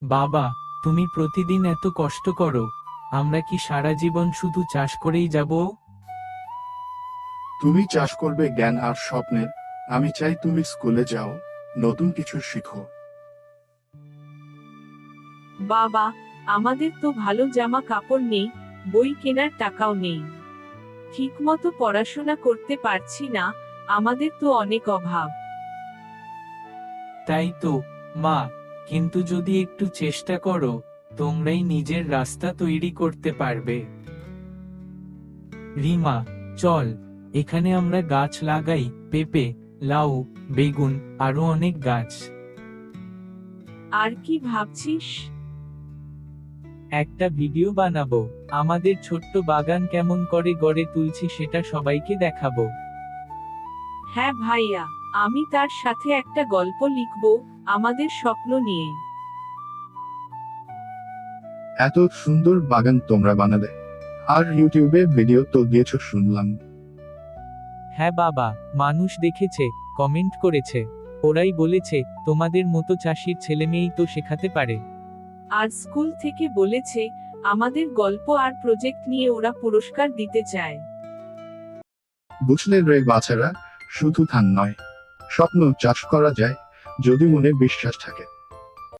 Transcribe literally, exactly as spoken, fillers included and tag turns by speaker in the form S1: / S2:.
S1: বাবা, তুমি প্রতিদিন এত কষ্ট করো, আমরা কি সারা জীবন শুধু চাষ করেই যাব?
S2: তুমি চাষ করবে জ্ঞান আর স্বপ্নের। আমি চাই তুমি স্কুলে যাও, নতুন কিছু শিখো।
S3: বাবা, আমাদের তো ভালো জামা কাপড় নেই, বই কেনার টাকাও নেই। ঠিকমতো পড়াশোনা করতে পারছি না, আমাদের তো অনেক অভাব।
S1: তাই তো, মা, কিন্তু যদি একটু চেষ্টা করো, তোমরাই নিজের রাস্তা তৈরি করতে পারবে। রিমা, চল, এখানে আমরা গাছ লাগাই, পেঁপে, লাউ, বেগুন, আরো অনেক গাছ।
S3: আর কি ভাবছিস?
S1: একটা ভিডিও বানাবো, আমাদের ছোট্ট বাগান কেমন করে গড়ে তুলছি সেটা সবাইকে দেখাবো।
S3: হ্যাঁ ভাইয়া, আমি তার সাথে একটা গল্প লিখব, আমাদের স্বপ্ন নিয়ে।
S2: এত সুন্দর বাগান তোমরা বানালে, আর ইউটিউবে ভিডিও তো দিয়েছো শুনলাম।
S1: হ্যাঁ বাবা, মানুষ দেখেছে, কমেন্ট করেছে, ওরাই বলেছে তোমাদের মতো চাষির ছেলেমেয়েই তো শেখাতে পারে।
S3: আর স্কুল থেকে বলেছে, আমাদের গল্প আর প্রজেক্ট নিয়ে ওরা পুরস্কার দিতে চায়।
S2: বুঝলে রে বাচ্চারা, শুধু ধান নয়, স্বপ্ন চাষ করা যায়, যদি মনে বিশ্বাস থাকে।